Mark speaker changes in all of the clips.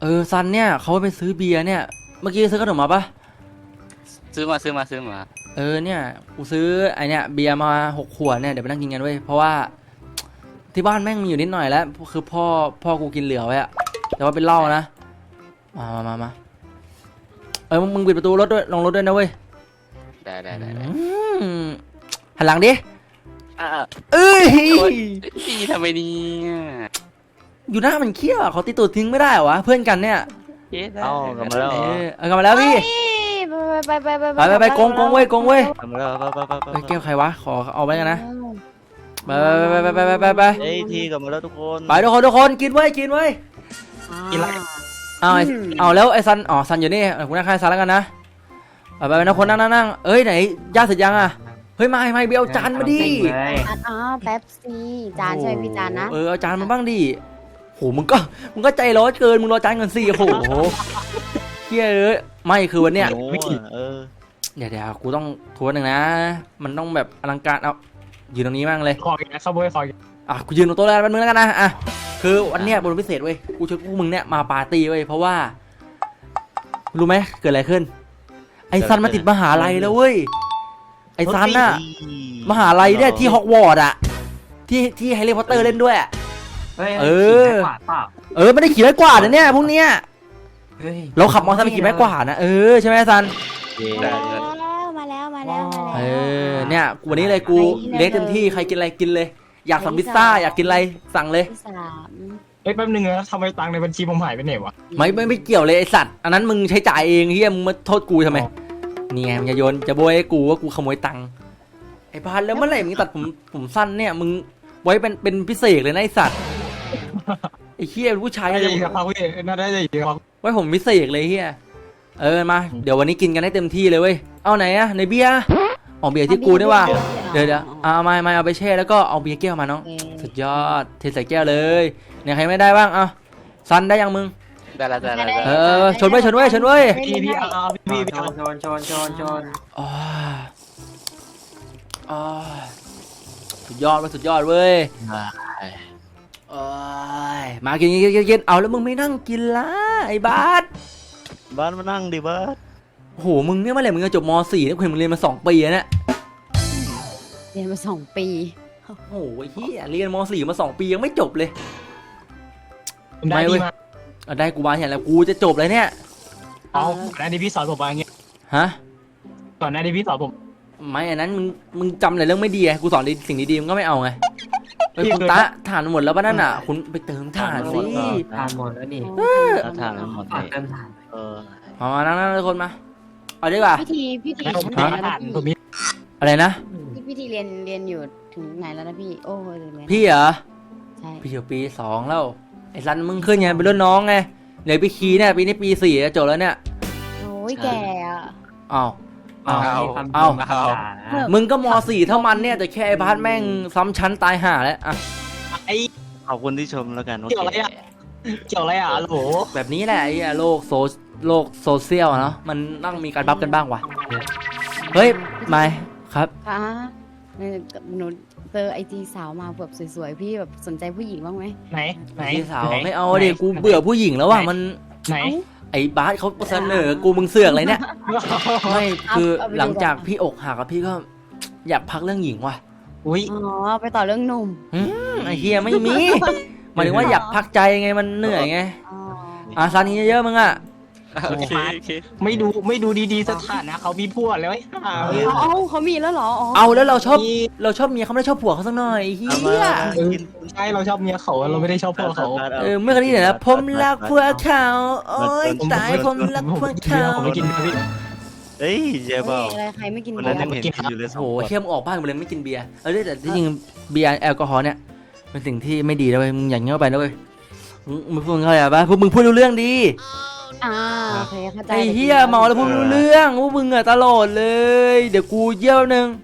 Speaker 1: ซันเนี่ยเขาไปซื้อเบียร์เนี่ยเมื่อกี้ซื้อขนมมาปะ
Speaker 2: ซื้อมา
Speaker 1: เนี่ยกูซื้อไอเนี่ยเบียร์มา6 ขวดเนี่ยเดี๋ยวไปนั่งกินกันเว้ยเพราะว่าที่บ้านแม่งมีอยู่นิดหน่อยแล้วคือพ่อกูกินเหลือไว้อะแต่ว่าเป็นเหล้านะมามึงปิดประตูรถด้วยลงรถด้วยนะเว้ย
Speaker 2: ได้
Speaker 1: หันหลังดิ
Speaker 2: พี่ทำไมเนี่ย
Speaker 1: อยู่หน้ามันเขี้ยวเขาตีตูดทิ้งไม่ได้เหรอวะเพื่อนกันเนี่ย
Speaker 2: เอากลับมาแล้ว
Speaker 1: กลับมาแล้วพี่ไปกงเว้ยก
Speaker 2: ลับมาแล้ว
Speaker 1: ไปแก้วใครวะขอเอาไว้กันนะไป
Speaker 2: ทีกลับมาแล้วทุกคน
Speaker 1: ไปทุกคนกินเว้ยกินอะไรเอาแล้วไอ้ซันซันอยู่นี่คุณนั่งใครซันแล้วกันนะไปนะคนนั่งเอ้ยไหนย่าเสร็จยังอ่ะเฮ้ยไม่เบลจานมาดิ
Speaker 3: แป๊บซี่จานใช่พี่จานนะ
Speaker 1: เอาจานมาบ้างดิโหมึงก็ใจร้อนเกินมึงรอจานเงินสิโหเฮียไม่คือวันเนี้ยเดี๋ยวกูต้องทวนหนึ่งนะมันต้องแบบอลังการเอายืนตรงนี้มั่งเลย
Speaker 4: คอยนะขบวยคอย
Speaker 1: กูยืนตรงโต๊ะแล้วมึงแล้วกันนะคือวันเนี้ยบนพิเศษเว้ยกูชวนพวกมึงเนี่ยมาปาร์ตี้เว้ยเพราะว่ารู้ไหมเกิดอะไรขึ้นไอ้ซันมาติดมหาลัยแล้วเว้ยไอ้ซันน่ะมหาลัยเนี่ยที่ฮอกวอตส์อะที่แฮร์รี่พอตเตอร์เล่นด้วยไม่ได้ขี่ไม้กวาดนะเนี่ยพวกเนี้ยเราขับมอเตอร์ไซค์ไปขี่ไม้กวาดนะใช่ไหมซัน
Speaker 3: มาแล้ว
Speaker 1: เนี่ยวันนี้เลยกูเลี้ยงเต็มที่ใครกินอะไรกินเลยอยากสั่งพิซซ่าอยากกินอะไรสั่งเลย
Speaker 4: แป๊บนึงนะทำไมตังค์ในบัญชีผมหายไปไหนวะ
Speaker 1: ไม่เกี่ยวเลยไอสัตว์อันนั้นมึงใช้จ่ายเองเฮียมึงมาโทษกูทำไมเนี่ยมึงอย่าโยนจะโบยกูว่ากูขโมยตังค์ไอ้พันแล้วเมื่อไหร่มึงตัดผมสั้นเนี่ยมึงไว้เป็นพิเศษเลยนะไอสัตว์ไอ้เฮียผู้ชาย
Speaker 4: เลยครับพี่น่าได้ดีครับ
Speaker 1: ไว้ผมพิเศษเลยเฮียมาเดี๋ยววันนี้กินกันให้เต็มที่เลยเว้ยเอาไหนอะในเบียร์เบียร์ที่กูนี่ว่าเดี๋ยวเอามาเอาไปแช่แล้วก็เอาเบียร์แก้วมาน้องสุดยอดเทใส่แก้วเลยเนี่ยใครไม่ได้บ้างซันได้ยังมึง
Speaker 2: ได้
Speaker 1: ชนเว้ย
Speaker 4: พี่ชน
Speaker 1: สุดยอดเว้ยมากินเอาแล้วมึงไม่นั่งกินละไอ้บาส
Speaker 2: มานั่งดิบาส
Speaker 1: โหมึงเนี่ยเมื่อไหร่มึงจะจบม.4เนี่ยมึงเรียนมา2 ปีเนี่ย
Speaker 3: เรียนมา2 ปี
Speaker 1: โอ้โหเฮียเรียนม.4มา2 ปียังไม่จบเลย
Speaker 4: ได้ดีมา
Speaker 1: ได้กูมาเห็นแล้วกูจะจบเลยเนี่ย
Speaker 4: ก่อนหน้านี้พี่สอนผมมาอย่างเงี้ยก่อนหน้านี้พี่สอนผม
Speaker 1: ไม่อันนั้นมึงจำแต่เรื่องไม่ดีไงกูสอนสิ่งดีๆมึงก็ไม่เอาไงคุณตะฐานหมดแล้วป่ะนั่นคุณไปเติมฐานสิ
Speaker 5: ฐานหมดแล้วนี่
Speaker 2: ฐานหมด
Speaker 5: เติมฐาน
Speaker 1: มานั่งทุกคนมาเอาดีกว่า
Speaker 3: พิธี
Speaker 1: อะไรนะ
Speaker 3: พิธีเรียนอยู่ถึงไหนแล้วนะพี่โอ้ย
Speaker 1: พี่เหรอใช่พี่อยู่ปี 2แล้วไอ้ซันมึงขึ้นไงเป็นรุ่นน้องไงเดี๋ยวพี่คีเนี่ยปีนี้ปี 4จะจบแล้วเนี่ย
Speaker 3: โอ้ยแก่
Speaker 1: มึงก็ม.4เท่ามันเนี่ยแต่แค่ไอ้บาสแม่งซ้ำชั้นตายห่าแล้ว
Speaker 2: ขอบคุณที่ชมแล้วกัน
Speaker 4: เกี่ยวอะไรโห
Speaker 1: แบบนี้แหละไอ้โลกโซเชียลเนาะมันต้องมีการบัฟกันบ้างว่ะเฮ้ยไม่ครับ
Speaker 3: หนูเจอIGสาวมาแบบสวยๆพี่แบบสนใจผู้หญิงบ้างไหม
Speaker 4: ไหน
Speaker 1: สาวไม่เอาดิกูเบื่อผู้หญิงแล้วว่ะมัน
Speaker 4: ไหน
Speaker 1: ไอ้บาสเขาเสนอกูมึงเสือกอะไรเนี่ยไม่คือหลังจากพี่อกหักกับพี่ก็อยากพักเรื่องหญิงว่ะ
Speaker 3: ไปต่อเรื่องหนุ่ม
Speaker 1: ไอ้เฮียไม่มีหมายถึงว่าอยากพักใจไงมันเหนื่อยไงซันนี้เยอะมึง
Speaker 4: ไม่ดูดีๆสถานะเขามีผัวแล้ว
Speaker 3: เขามีแล้วเหรอ
Speaker 1: เอาแล้วเราชอบเมียเขาไม่ได้ชอบผัวเขาสักหน่อยเฮีย
Speaker 4: ใช่เราชอบเมียเขาเราไม่ได้ชอบผัวเขา
Speaker 1: เมื่อกี้เนี่ยนะผมรักผัวเขาโอ๊ยตายผมรักผัวเขา
Speaker 4: ไม่กินพี่
Speaker 2: เฮ้ยเจ๊บ้า
Speaker 3: อะไรใครไม่กินเบี
Speaker 2: ยร์
Speaker 1: โอ้โหเข้มออกบ้านมาเลยไม่กินเบียร์แต่ที่จริงเบียร์แอลกอฮอล์เนี่ยเป็นสิ่งที่ไม่ดีนะเว้ยมึงอย่างเงี้ยไปนะเว้ยมึงพูดอะไรอ่ะพวกมึงพูดรู้เรื่องดี
Speaker 3: โอเคเข้าใจ
Speaker 1: ไอ้เฮียเมาแล้วพูดรู้เรื่องพวกมึงตลอดเลยเดี๋ยวกูเยี่ยวนึง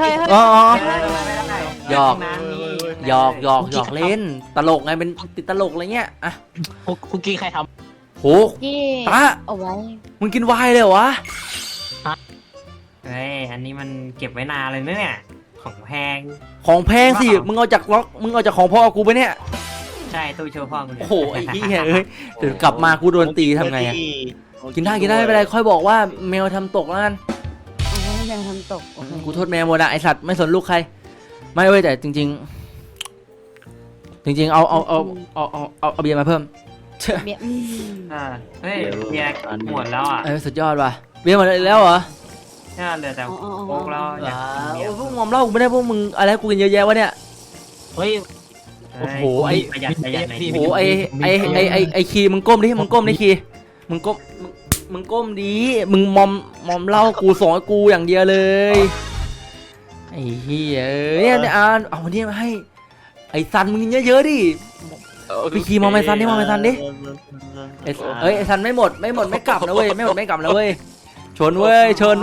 Speaker 1: หยอกเล่นตลกไงเป็นติดตลกอะไรเงี้ย
Speaker 4: คุกกี้ใครท
Speaker 1: ำโหตา
Speaker 3: เอาไว้
Speaker 1: มึงกินไวน์เลยวะ
Speaker 5: อันนี้มันเก็บไว้นานเลยเนี่ยของแพง
Speaker 1: สิมึงเอาจากของพ่อกูไปเนี่ย
Speaker 5: ใช่ตู้โชว์พ่อมึง
Speaker 1: โอ้โหไอ้เหี้ยเอ้ยเดี๋ยวกลับมากูโดนตีทำไงอะกินได้ไม่เป็นไรค่อยบอกว่าแมวทำตกแล้วกัน
Speaker 3: เอาให้แมวทำตกโอเค
Speaker 1: กูโทษแมวหมดอะไอสัตว์ไม่สนลูกใครไม่เว้ยแต่จริง ๆ เอาเบียร์มาเพิ่ม
Speaker 3: เบียร์
Speaker 5: เฮ้ยเบียร์หมดแล้วอ่ะ
Speaker 1: เอ้ยสุดยอดว่ะเบียร์หมดแล้วเหรอ
Speaker 5: ใช่เหลือแต่โค้กแล้วอยากกินเบียร์
Speaker 1: พวกมอมเหล้ากูไม่ได้พวกมึงอะไรกูกินเยอะแยะวะเนี่ย
Speaker 4: เฮ้ย
Speaker 1: โอ้โหไอ้
Speaker 5: ประหยัดหน่อย
Speaker 1: โอ้โหไอคีมึงก้มดิมึงก้มดิคีมึงก้มดิมึงมอมเหล้ากูสอนกูอย่างเดียวเลยไอ้เหี้ยเนี่ยเอาวันนี้มาให้ไอ้ซันมึงกินเยอะๆดิพี่คีมองไปซันดิมองไปซันดิไอ้ซันไม่หมดไม่กลับนะเว้ยไม่กลับนะเว้ยชนเว้ย
Speaker 2: ชน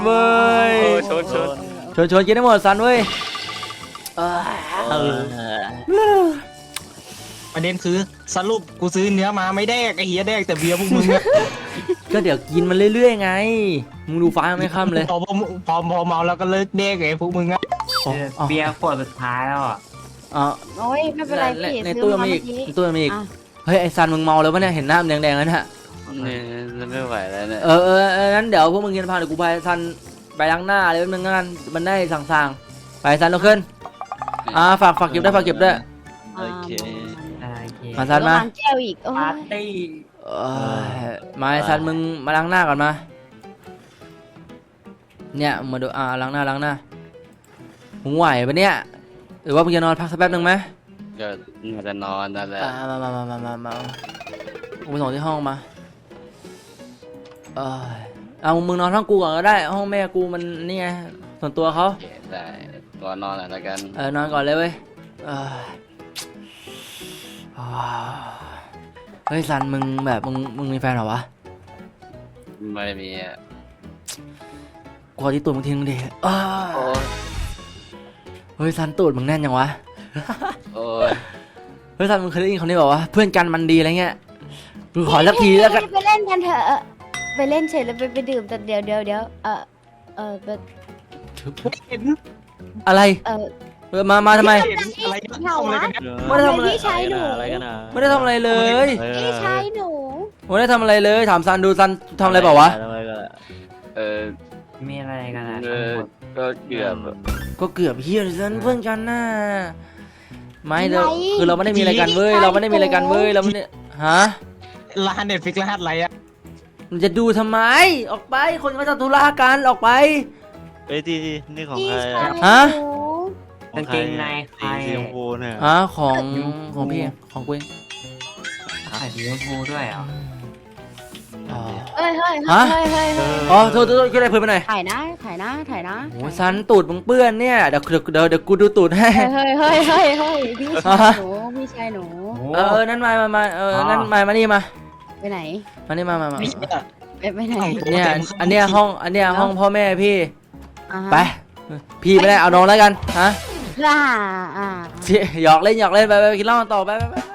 Speaker 1: กินได้หมดซันเว้ย
Speaker 4: ประเด็นคือสรุปกูซื้อเนื้อมาไม่แดกไอ้เหี้ยแดกแต่เบียร์พวกมึงอะ
Speaker 1: ก็เดี๋ยวกินมันเรื่อยๆไงมึงดูฟ้าไม่ค่ำเลย
Speaker 4: พอเมาแล้วก็เลิกแดกไอ้พวกมึงอะ
Speaker 5: เบียร์ขวดสุดท้ายแล้วอ่ะ
Speaker 3: โอ้ยไม่เป็นไรพี่
Speaker 1: ใน
Speaker 3: ซื้
Speaker 1: ตู้
Speaker 3: อ
Speaker 1: ยัง
Speaker 3: มา
Speaker 1: มี
Speaker 3: เมื่
Speaker 1: อี
Speaker 3: อก กี้
Speaker 1: ในตู้ยังมีอีก
Speaker 3: อ่ะ
Speaker 1: เฮ้ยไอซันมึงเมาแล้วปะเนี่ยเห็นหน้ามันแดงๆแล้วเนี่ย
Speaker 2: นี่ไม่ไหวแล้วเนี่ย
Speaker 1: งั้นเดี๋ยวพวกมึงกินพาเดี๋ยวกูไปซันไปล้างหน้าเลยแป๊บนึงงั้นมันได้สั่งๆไปซันลุกขึ้นฝากเก็บด้วย
Speaker 2: โอเค
Speaker 5: โอเค
Speaker 1: มาซันมา
Speaker 3: แล้ววางแก้วอีกโอ้
Speaker 5: ปาย ร์ตี้
Speaker 1: มาไอซันมึงมาล้างหน้าก่อนมาเนี่ยมาดูล้างหน้ามึงไหวปะเนี่ยหรือว่ามึงจะนอนพักสักแป๊บนึงไหม
Speaker 2: ก็น่าจะนอนนั่นแหละ
Speaker 1: มากูไปส่งที่ห้องมาเอามึงนอนห้องกูก่อนก็ได้ห้องแม่กูมันนี่ไงส่วนตัวเขา
Speaker 2: โอเคได้ก่อนนอนแล้วกัน
Speaker 1: นอนก่อนเลยเว้ยเฮ้ยซันมึงแบบมึงมีแฟนเหรอวะ
Speaker 2: ไม่มีอ่ะ
Speaker 1: กูขอที่ตูดมึงทิ้งดิ
Speaker 2: โอ้ย
Speaker 1: เฮ้ยซันตูดมึงแน่นยังวะ
Speaker 2: โอ้ย
Speaker 1: เฮ้ยซันมึงเคยได้ยินคำนี้บอกว่าเพื่อนกันมันดีอะไรเงี้ยกูขอสักทีแล้วกัน
Speaker 3: ไปเล่นกันเถอะไปเล่นเฉยแล้วไปดื่มแต่เดี๋ยวแบบ
Speaker 4: เห็น
Speaker 1: อะไรมาทำไม
Speaker 4: เห็นอะไรกันทำอะไรกันเนี่ย
Speaker 1: ไม่ได้ทำอะไร
Speaker 3: พี่ชายหนู
Speaker 2: อะไรกันนะ
Speaker 1: ไม่ได้ทำอะไรเลย
Speaker 3: พี่ชายหนู
Speaker 1: ไม่ได้ทำอะไรเลยถามซันดูซันทำอะไรเปล่าวะ
Speaker 2: เออ
Speaker 5: มีอะไรกันอ่ะ
Speaker 2: ก็เกือบ
Speaker 1: ก็เกือบเฮียซันเพื่อนกันน่ะไม่เด้อคือเราไม่ได้มีอะไรกันเว้ยเราไม่ได้มีอะไรกันเว้ยเราไม่ได้ฮะ
Speaker 4: รหัสเน็ตฟิกรหัสอะไรอะ
Speaker 1: มันจะดูทำไมออกไปคนเขาจะธุระกันออกไป
Speaker 2: เอ้ยที่นี่ของ
Speaker 3: พี่
Speaker 2: ใคร
Speaker 3: ชาย
Speaker 1: ฮะ
Speaker 3: หนู
Speaker 5: กางเกงในใคร
Speaker 2: สีชมพูเนี่ย
Speaker 1: ของพี่ของกูเอง
Speaker 5: ใส่สีชมพูด้วยเหรอ
Speaker 3: เฮ้ย
Speaker 1: อ๋อโทษช่วยอะไรเพื่อนไปหน่อย
Speaker 3: ถ่ายนะ
Speaker 1: โอ้ซันตูดมึงเปื้อนเนี่ยเดี๋ยวกูดูตูดให้
Speaker 3: เฮ้ยพี่ชายหนู
Speaker 1: นั่นมานั่นมานี่มา
Speaker 3: ไปไหน
Speaker 1: มานี่มา
Speaker 4: นี่อะ
Speaker 3: ไปไหน
Speaker 1: เนี่ยอันเนี้ยห้องพ่อแม่พี่
Speaker 3: อ่าฮะ
Speaker 1: ไปพี่ไม่ได้เอาน้องแล้วกันฮะ
Speaker 3: อ่า
Speaker 1: หยอกเล่นไปกินเหล้ากันต่อไป